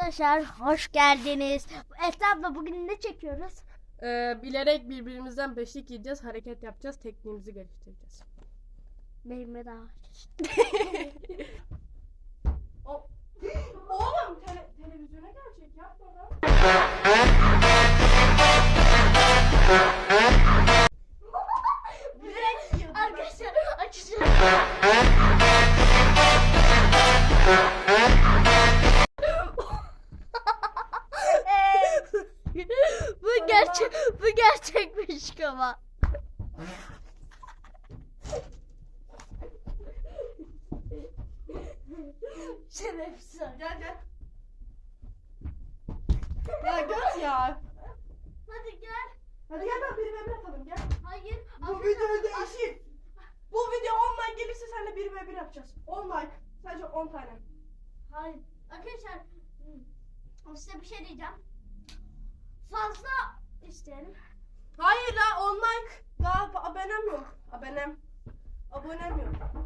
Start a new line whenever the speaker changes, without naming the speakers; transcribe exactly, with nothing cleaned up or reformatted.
Arkadaşlar hoş geldiniz. Esra abla bugün ne çekiyoruz?
Ee, bilerek birbirimizden beşlik yiyeceğiz, hareket yapacağız, tekniğimizi geliştireceğiz.
Benimle daha
O- Oğlum tele- televizyona gelecek yapma lan.
Arkadaşlar açacağım. bu gerçek bu gerçekmiş ama. Şerefsiz.
Gel gel. Ya göt ya.
Hadi gel.
Hadi gel ben bir ve bir atalım gel.
Hayır.
Bu video değişik. Bu video on like gelirse seninle bir ve bir yapacağız. on like. Sadece on tane.
Hayır. Arkadaşlar size bir şey diyeceğim. Fazla isterim.
Hayır la on like. Daha abonem yok. Abonem. Abonem yok.